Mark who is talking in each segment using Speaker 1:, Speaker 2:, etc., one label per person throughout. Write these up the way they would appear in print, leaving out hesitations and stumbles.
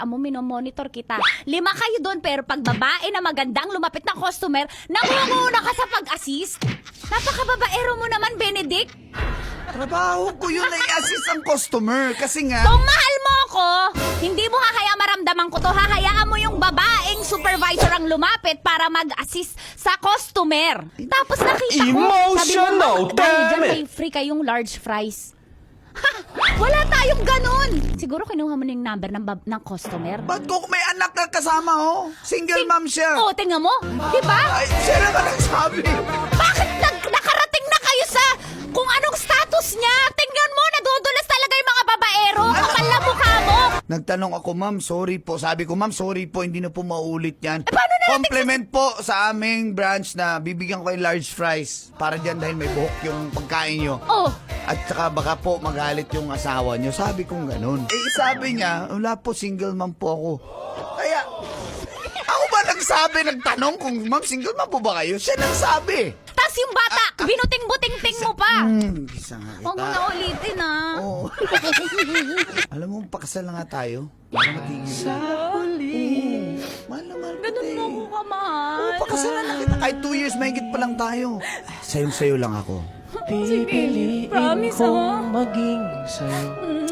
Speaker 1: hayaan mo, minomonitor kita. 5 kayo doon, pero pag babae na magandang lumapit na customer, nangunguna ka sa pag-assist. Napakababaero mo naman, Benedict.
Speaker 2: Trabaho ko yun na i-assist ang customer. Kasi nga...
Speaker 1: Kung mahal mo ako, hindi mo hahayaan maramdaman ko to. Hahayaan mo yung babaeng supervisor ang lumapit para mag-assist sa customer. Tapos nakita ko,
Speaker 3: Emotional,
Speaker 1: sabi mo, dahil dyan
Speaker 3: damn it!
Speaker 1: may free kayong large fries. Ha! Wala tayong ganun! Siguro kinuha mo na yung number ng customer.
Speaker 2: Ba't ko may anak na kasama, oh? Single mom siya.
Speaker 1: Oo, tingnan mo. Diba?
Speaker 2: Ay, siya naman ang sabi.
Speaker 1: Bakit nakarating na kayo sa kung anong status niya? Tingnan mo, nadudulas talaga yung mga babaero. Kapal na mukha mo.
Speaker 2: Nagtanong ako, ma'am, sorry po. Sabi ko, ma'am, sorry po, hindi na po maulit yan.
Speaker 1: paano na natin
Speaker 2: Compliment po sa aming branch na bibigyan ko yung large fries. Para dyan dahil may buhok yung pagkain nyo.
Speaker 1: Oh,
Speaker 2: At saka baka po magalit yung asawa nyo. Sabi kong ganun. Eh, sabi niya, wala po, single mom po ako. Kaya, ako ba nagsabi, nagtanong kung, ma'am, single mom po ba kayo? Siya nagsabi.
Speaker 1: tas yung bata, binuting-buting-ting mo pa.
Speaker 2: Isa nga
Speaker 1: Huwag mo
Speaker 2: kita.
Speaker 1: na ulitin, ah.
Speaker 2: Oo. Alam mo, pakasal na nga tayo. Para matigil. Mahal na mahal
Speaker 1: Ganun
Speaker 2: kita
Speaker 1: mo ko kamahal.
Speaker 2: Oo, pakasalan na kita. Kahit 2 years, mahigit pa lang tayo. Sayong-sayo lang ako.
Speaker 1: Sige, promise ako.
Speaker 3: maging sa'yo.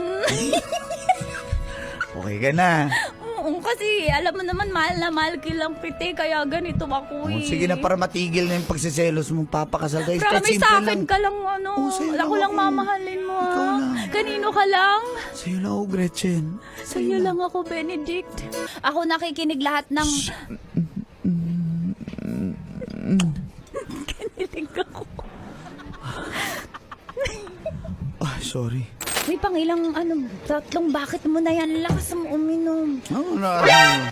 Speaker 2: Okay ka na.
Speaker 1: Oo, kasi alam mo naman, mahal na mahal kilang piti, kaya ganito ako
Speaker 2: Oh,
Speaker 1: eh.
Speaker 2: sige na, para matigil na yung pagsiselos mo, papakasal tayo. Kahit
Speaker 1: Promise
Speaker 2: simple
Speaker 1: sa akin
Speaker 2: lang.
Speaker 1: ka lang, ano.
Speaker 2: Oo, sa'yo
Speaker 1: Ako
Speaker 2: lang
Speaker 1: lang
Speaker 2: ako.
Speaker 1: mamahalin mo,
Speaker 2: Ikaw
Speaker 1: ah.
Speaker 2: lang.
Speaker 1: Kanino ka lang?
Speaker 2: Sa'yo lang ako, Gretchen.
Speaker 1: Sa'yo lang ako, Benedict. Ako nakikinig lahat ng... Kinilig ako.
Speaker 2: Ah, sorry.
Speaker 1: May pangilang, tatlong bakit mo na yan? Lakas mo uminom.
Speaker 2: Oo na.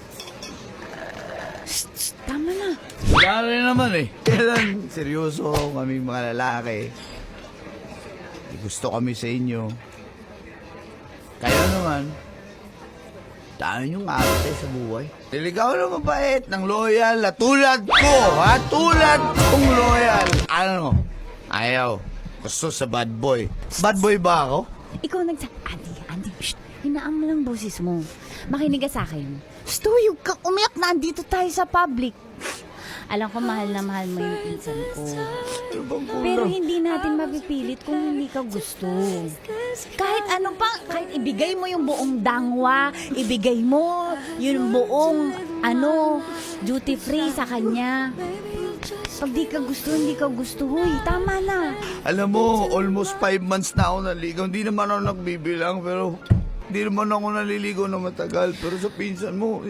Speaker 1: Tama na.
Speaker 2: Wala rin naman eh. Kailan seryoso kami mga lalaki. Gusto kami sa inyo. Kaya naman, tayo yung ate sa buhay. Ikaw na mabait, ng loyal, na tulad ko, ha? Tulad kong loyal. Ano? Ayaw. Gusto sa bad boy. Bad boy ba ako?
Speaker 1: Ikaw Andy, shh, hinaan mo lang boses mo. Makinig ka sa akin. Stoy, huwag kang umiyak na andito tayo sa public. Alam ko mahal na mahal mo yung pinsan ko.
Speaker 2: Ano bang
Speaker 1: Pero
Speaker 2: kulang?
Speaker 1: hindi natin mapipilit kung hindi ka gusto. Kahit ano pa, kahit ibigay mo yung buong dangwa, ibigay mo yung buong, duty free sa kanya. Pag di ka gusto, hindi ka gusto. Huy, tama na.
Speaker 2: Alam mo, almost 5 months na ako naligaw. Hindi naman ako nagbibilang, pero hindi naman ako naliligaw na matagal. Pero sa pinsan mo,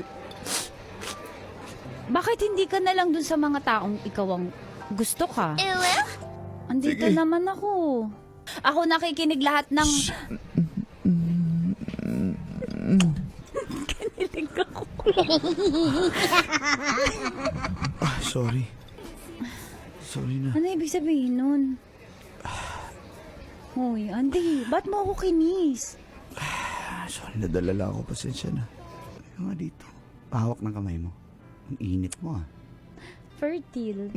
Speaker 1: Bakit hindi ka na lang dun sa mga taong ikaw ang gusto ka? Andito
Speaker 2: Sige.
Speaker 1: naman ako. Ako nakikinig lahat ng... Kinilig ako.
Speaker 2: sorry. Sorry na.
Speaker 1: Ano ibig sabihin nun? Hoy, Andy, ba't mo ako kinis?
Speaker 2: Sorry, nadala lang ako. Pasensya na. Ano nga dito? Pahawak ng kamay mo. Ang init mo ah.
Speaker 1: Fertile.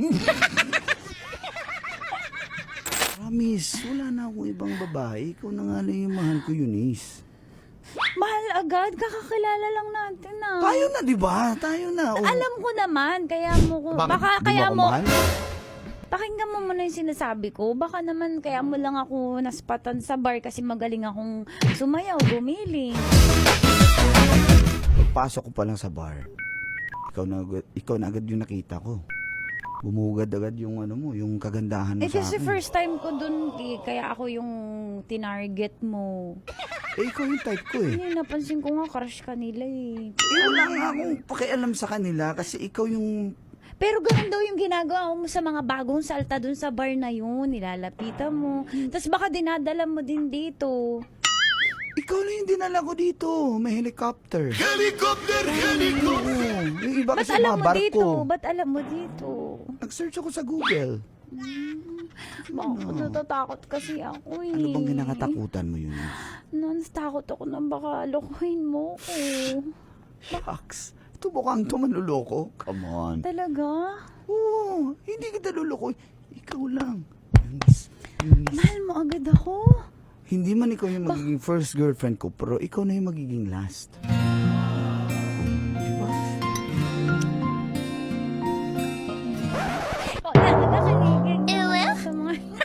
Speaker 2: Promise, wala na akong ibang babae. Ikaw na nga lang yung mahal ko, Eunice.
Speaker 1: Mahal agad, kakakilala lang natin ah.
Speaker 2: Tayo na, di ba? Tayo na. Oh.
Speaker 1: Alam ko naman, kaya mo ko...
Speaker 2: Bakit?
Speaker 1: Baka
Speaker 2: Di
Speaker 1: kaya
Speaker 2: ako
Speaker 1: mo...
Speaker 2: mahal?
Speaker 1: Pakinggan mo muna yung sinasabi ko. Baka naman kaya mo lang ako naspatan sa bar kasi magaling akong sumayaw, gumiling.
Speaker 2: Pagpasok ko pa lang sa bar, ikaw na agad yung nakita ko. Bumugad agad yung yung kagandahan mo
Speaker 1: Eh
Speaker 2: sa
Speaker 1: kasi
Speaker 2: akin.
Speaker 1: first time ko dun, kaya ako yung tinarget mo.
Speaker 2: Eh, ikaw yung type ko eh.
Speaker 1: Hindi, napansin ko nga crush ka nila eh.
Speaker 2: Wala nga akong pakialam sa kanila kasi ikaw yung...
Speaker 1: Pero ganun daw yung ginagawa mo sa mga bagong salta dun sa bar na yun. Nilalapitan mo. Tapos baka dinadala mo din dito.
Speaker 2: Ikaw na yung dinala ko dito. May helicopter. Helicopter! Yung iba
Speaker 1: Ba't
Speaker 2: kasi
Speaker 1: alam
Speaker 2: mga
Speaker 1: mo
Speaker 2: barko.
Speaker 1: dito? Ba't alam mo dito?
Speaker 2: Nag-search ako sa Google.
Speaker 1: Bakit natatakot kasi ako eh.
Speaker 2: Ano bang kinakatakutan mo yun?
Speaker 1: Takot ako na baka alokohin mo ko.
Speaker 2: Shucks. Ito bukang ito manluloko. Come on.
Speaker 1: Talaga?
Speaker 2: Oo, hindi kita luloko. Ikaw lang. Eunice.
Speaker 1: Mahal mo agad ako?
Speaker 2: Hindi man ikaw yung magiging first girlfriend ko, pero ikaw na yung magiging last.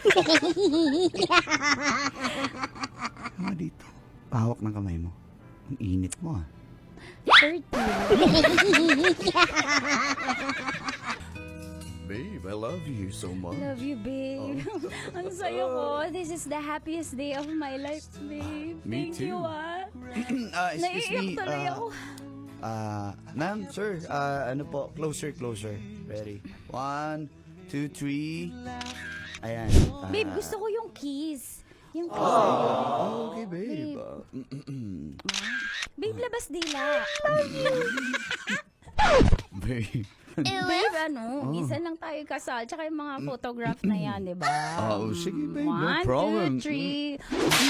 Speaker 2: Tama dito. Pahawak ng kamay mo. Ang init mo ah.
Speaker 1: 30.
Speaker 2: Babe, I love you so much.
Speaker 1: Love you, babe. Ang sayo ko. This is the happiest day of my life, babe.
Speaker 2: Me
Speaker 1: Thank you,
Speaker 2: too. Excuse
Speaker 1: Naiiyak
Speaker 2: me.
Speaker 1: tuloy ako.
Speaker 2: Ma'am, sir, ano po, closer. Ready? 1, 2, 3. Ayan.
Speaker 1: Babe, gusto ko yung kiss. Yung kiss.
Speaker 2: Okay, babe.
Speaker 1: Babe, labas dila.
Speaker 2: Babe.
Speaker 1: Babe, minsan lang tayo kasal. Tsaka yung mga photograph na yan, di ba?
Speaker 2: Oh, sige, babe. No
Speaker 1: 1,
Speaker 2: problem.
Speaker 1: 2, 3.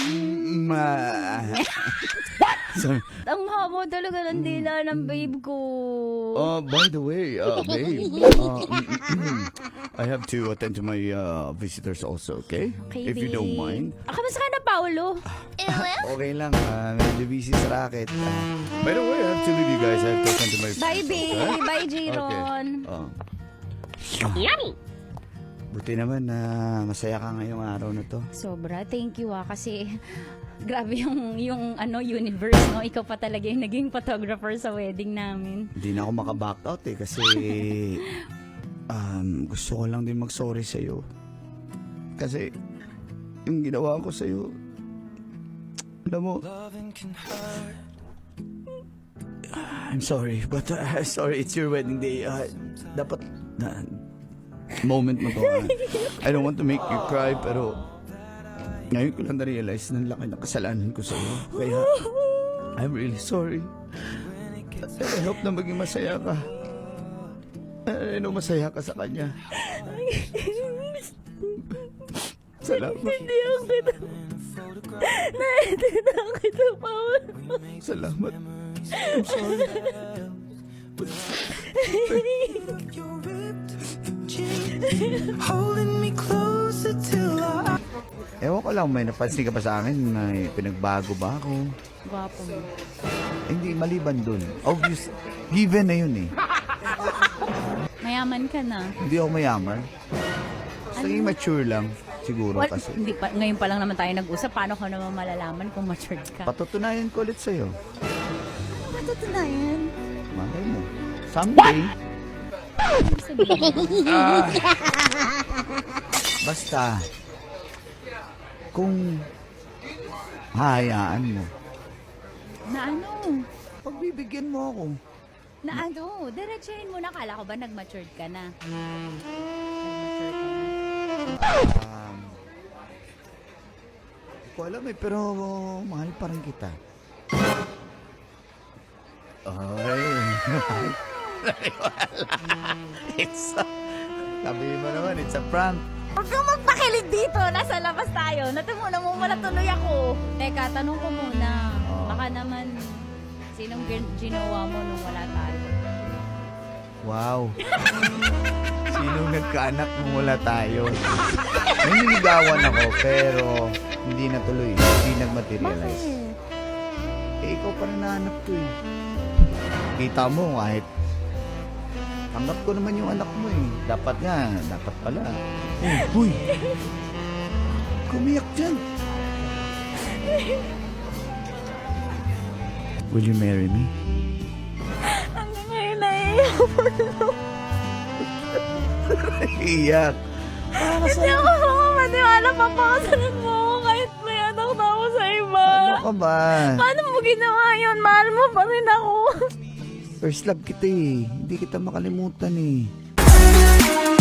Speaker 2: Sorry.
Speaker 1: Ang haba talaga ng dila ng babe ko.
Speaker 2: By the way, babe, I have to attend to my visitors also, okay?
Speaker 1: Okay,
Speaker 2: If you don't mind.
Speaker 1: Kamusta ka na, Paolo?
Speaker 2: Okay lang, medyo busy sa racket. By the way, I have to leave you guys. I have to attend to my
Speaker 1: Bye, babe.
Speaker 2: Huh?
Speaker 1: Bye, Jiron.
Speaker 2: Yummy! Buti naman na masaya ka ngayong araw na to.
Speaker 1: Sobra. Thank you kasi grabe yung universe, no? Ikaw pa talaga yung naging photographer sa wedding namin.
Speaker 2: Hindi na ako makaback out kasi gusto ko lang din mag-sorry sa'yo. Kasi yung ginawa ko sa'yo, alam mo, I'm sorry, but sorry, it's your wedding day. Dapat moment mo to. I don't want to make you cry, pero ngayon ko lang na-realize na laki ng kasalanan ko sa'yo. Kaya, I'm really sorry. I hope na maging masaya ka. I know masaya ka sa kanya. Salamat.
Speaker 1: Naiintindihan kita, Paolo.
Speaker 2: Salamat. I'm sorry.
Speaker 4: Holding me closer till I
Speaker 2: Ewan ko lang, may napansin ka ba sa akin na pinagbago ba ako?
Speaker 1: Gwapo mo.
Speaker 2: Hindi, maliban dun. Obvious, given na yun eh.
Speaker 1: Mayaman ka na.
Speaker 2: Hindi ako mayaman. Naging mature lang, siguro
Speaker 1: Well,
Speaker 2: kasi.
Speaker 1: hindi pa, ngayon pa lang naman tayo nag-usap. Paano ko naman malalaman kung matured ka?
Speaker 2: Patutunayan ko ulit sa'yo.
Speaker 1: Patutunayan.
Speaker 2: Malay mo. Someday, basta, kung hahayaan mo,
Speaker 1: Na ano?
Speaker 2: pagbibigyan mo ako.
Speaker 1: Na ano? Diretsahin mo na. Kala ko ba nag-matured ka na?
Speaker 2: Hindi ko alam eh, pero mahal pa rin kita. Ay, sabi mo naman, it's a prank.
Speaker 1: Huwag kang magpakilig dito. Nasa labas tayo. Natimuna mo wala tuloy ako. Teka, tanong ko muna. Baka naman, sinong ginawa mo nung wala tayo?
Speaker 2: Wow. Sinong nagkaanak nung wala tayo? May niligawan ako, pero hindi natuloy. Hindi nag-materialize. Eh, ikaw pa rin nahanap ko eh. Kita mo, kahit tanggap ko naman yung anak mo eh. Dapat pala. Uy! Kumiyak dyan. Will you marry me?
Speaker 1: Hanggang ngayon naiiyak ako.
Speaker 2: Iyak.
Speaker 1: Hindi ako makapaniwala papakasalan mo ako kahit may anak na ako sa iba.
Speaker 2: Ano ka ba?
Speaker 1: Paano mo ginawa yun? Mahal mo pa rin ako.
Speaker 2: First love kita eh. Hindi kita makalimutan eh.